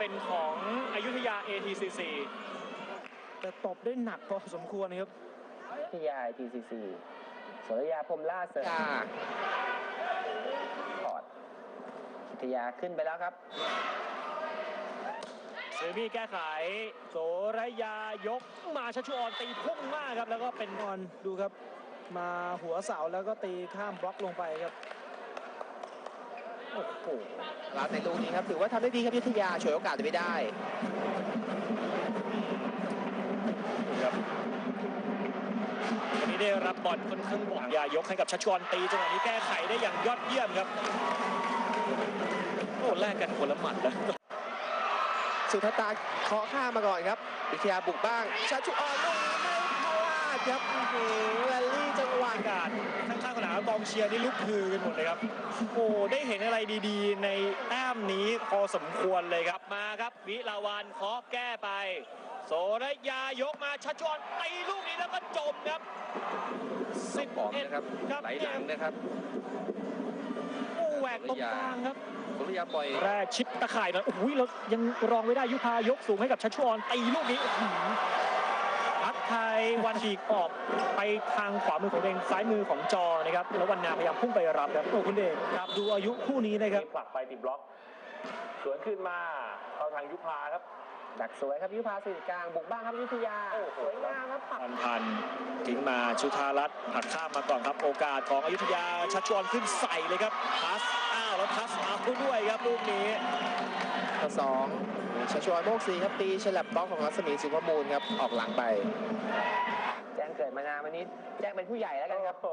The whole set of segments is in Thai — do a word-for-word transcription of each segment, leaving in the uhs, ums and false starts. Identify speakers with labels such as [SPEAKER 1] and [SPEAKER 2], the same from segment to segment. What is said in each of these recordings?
[SPEAKER 1] เป็นของอยุธยา เอ ที ซี ซี
[SPEAKER 2] แต่ตบได้หนักพอสมควรนะครับ
[SPEAKER 3] อยุธยา ที ซี ซี สรยาพรหมล่าเสริมพอร์ตอยุธยาขึ้นไปแล้วครับ
[SPEAKER 1] เซมี่แก้ไขโสระยายกมาชัชชุออนตีพุ่งมากครับแล้วก็เป็น
[SPEAKER 2] ออนดูครับมาหัวเสาแล้วก็ตีข้ามบล็อกลงไปครับ
[SPEAKER 3] โอ้โหเราในลูกนี้ครับถือว่าทำได้ดีครับอยุธยาฉวยโอกาสไม่ได้
[SPEAKER 1] ครับวันนี้ได้รับบอลค่อนข้างบ่อยายกให้กับชัชชุออนตีจังหวะนี้แก้ไขได้อย่างยอดเยี่ยมครับโอ้แลกกันคนละหมัดแล้ว
[SPEAKER 3] สุทตาเคาะข้ามาก่อนครับวิทยาบุกบ้างชัชชุออนลูกนี้ไม่พลาดครับโอ้โหแรลลี่จังหวะ
[SPEAKER 1] การข้างๆสนามกองเชียร์นี่ลุกฮือกันหมดเลยครับโอ้ได้เห็นอะไรดีๆในแต้มนี้พอสมควรเลยครับมาครับวิลาวันเคาะแก้ไปโสระยายกมาชัชชุออนตีลูกนี้แล้วก็จมครับ
[SPEAKER 3] สิบปอนด์นะครับไหลหลังนะครับ
[SPEAKER 1] โอ้แหวกตรงกลางครับ
[SPEAKER 3] สรยาปล่อย
[SPEAKER 1] แรกชิปตะข่ายหน่อยโอ้ยเรายังรองไม่ได้ยุพายกสูงให้กับชัชชุออนตีลูกนี้พัดไทยวันฉีกออกไปทางขวามือของเดงซ้ายมือของจอนะครับแล้ววันนาพยายามพุ่งไปรับครับโอ้คุณเดชครับดูอายุคู่นี้นะครับ
[SPEAKER 4] ผลักไปติดบล็อกสวนขึ้นมาเข้าทางยุพาครับ
[SPEAKER 3] ดักสวยครับยุพาสื่อกลางบุกบ้างครับยุธยาสวยงามครับ
[SPEAKER 1] พันพันทิ้งมาชุธารัตน์ผัดข้ามมาก่อนครับโอกาสของอยุธยาชัชชุออนขึ้นใส่เลยครับพัสอ้าวแล้วพัสเอาด้วยครับลูกนี้
[SPEAKER 3] ข้อสองชัชชุออนโมกสีครับตีฉลับบล็อกของรัศมีสุภมูลครับออกหลังไปแจ้งเกิดมานานวันนี้แจ้งเป็นผู้ใหญ่แล้วกันครับ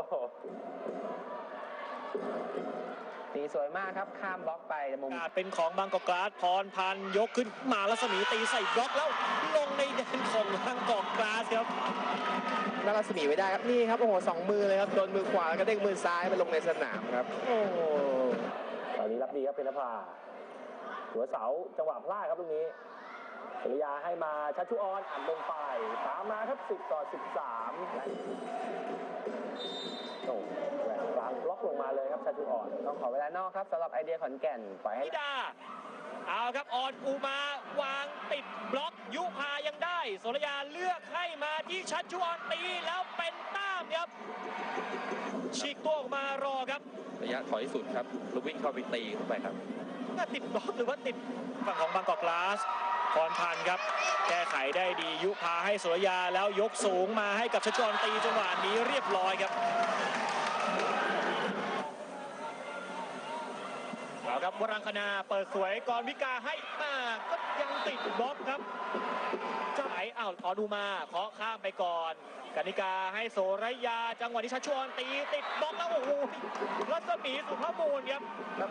[SPEAKER 3] ตีสวยมากครับข้ามบล็อกไปมุม
[SPEAKER 1] เป็นของบางกอกกราสพรพันธ์ยกขึ้นมารัศมีตีใส่บล็อกแล้วลงในแดนของบางกอกกราสครับ
[SPEAKER 3] แล้วรัศมีไว้ได้ครับนี่ครับโอ้โหสองมือเลยครับโดนมือขวาแล้วก็เด้งมือซ้ายไปลงในสนามครับ
[SPEAKER 4] โอ้โหตอนนี้รับดีครับเป็นนภาหัวเสาจังหวะพลาดครับตรงนี้สรยาให้มาชัชชุออนอ่านลงไปตามมาครับสิบต่อสิบสามโอ้แหวกกลางบล็อกลงมาเลยครับชัชชุออน
[SPEAKER 3] ต้องขอเวลานอกครับสำหรับไอเดียขอนแก่นปล่อยให้
[SPEAKER 1] ดาเอาครับออนอูมาวางติดบล็อกยุพายังได้สรยาเลือกให้มาที่ชัชชุออนตีแล้วเป็นต้ามครับฉีกตัวออกมารอครับ
[SPEAKER 3] ระยะถอยสุดครับลูกวิ่งเข้าไปตีเข้าไปครับ
[SPEAKER 1] น่าติดบล็อกหรือว่าติดฝั่งของบางกอกกราสพรพันธ์ครับแก้ไขได้ดียุพาให้สรยาแล้วยกสูงมาให้กับชัชชุออนตีจังหวะนี้เรียบร้อยครับเอาครับวรังคณาเปิดสวยกรวิกาให้มาก็ยังติดบล็อกครับเจ้าไหนอ้าวขอดูมาเคาะข้ามไปก่อนกนิกาให้โสระยาจังหวะนี้ชัชชุออนตีติดบล็อกแล้วโอ้โหรัศมีสุภาพมูลครับ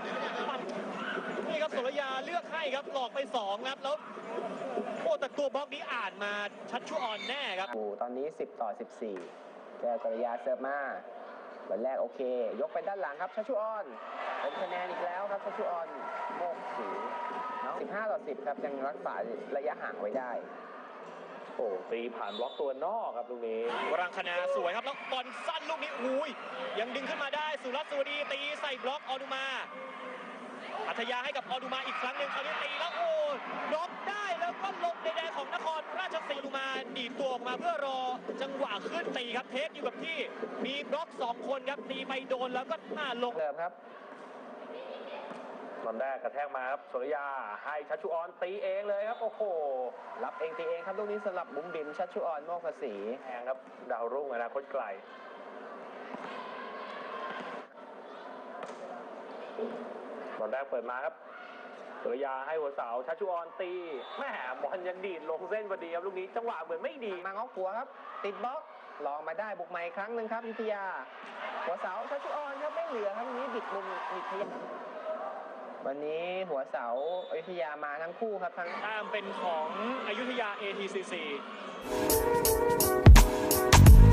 [SPEAKER 1] นี่ครับโสระยาเลือกให้ครับหลอกไปสองครับแล้วโอ้แต่ตัวบล็อกนี้อ่านมาชัชชุออนแน่ครับ
[SPEAKER 3] โอ้ตอนนี้สิบต่อสิบสี่แกโสระยาเซิร์ฟมาวันแรกโอเคยกไปด้านหลังครับชัชชุออนเป็นคะแนนอีกแล้วครับชัชชุออนโมกสีสิบห้าต่อสิบครับยังรักษาระยะห่างไว้ได้
[SPEAKER 4] โอ้ตีผ่านบล็อกตัวนอกครับลูกนี้
[SPEAKER 1] วรังคณาสวยครับแล้วบอลสั้นลูกนี้อุ้ยยังดึงขึ้นมาได้สุรัตน์สวัสดีตีใส่บล็อกออนุมาอัธยาให้กับออนุมาอีกครั้งหนึ่งเขาตีแล้วโอ้บล็อกได้แล้วก็ลงในแดนของนครราชสีมาออนุมาดีดตัวออกมาเพื่อรอจังหวะขึ้นตีครับเทคอยู่กับที่มีบล็อกสองคนครับตีไปโดนแล้วก็หน้าลง
[SPEAKER 3] เริ่มครับ
[SPEAKER 4] ตอนแรกกระแทกมาครับสรยาให้ชัชชุออนตีเองเลยครับโอ้โห
[SPEAKER 3] รับเองตีเองครับลูกนี้สลับบุ๋มบิ๋มชัชชุออนโมกศรี
[SPEAKER 4] แทงครับดาวรุ่งอนาคตไกลตอนแรกเปิดมาครับสรยาให้หัวเสาชัชชุออนตีแม่บอลยังดีดลงเส้นพอดีครับลูกนี้จังหวะเหมือนไม่ดี
[SPEAKER 3] มาง้อหัวครับติดบล็อกลองมาได้บุกใหม่ครั้งหนึ่งครับวิทยาหัวเสาชัชชุออนครับไม่เหลือครับนี้บิดมุมบิดทะยานวันนี้หัวเสาอยุธยามาทั้งคู่ครับทั้ง
[SPEAKER 1] ตามเป็นของอยุธยา เอ ที ซี ซี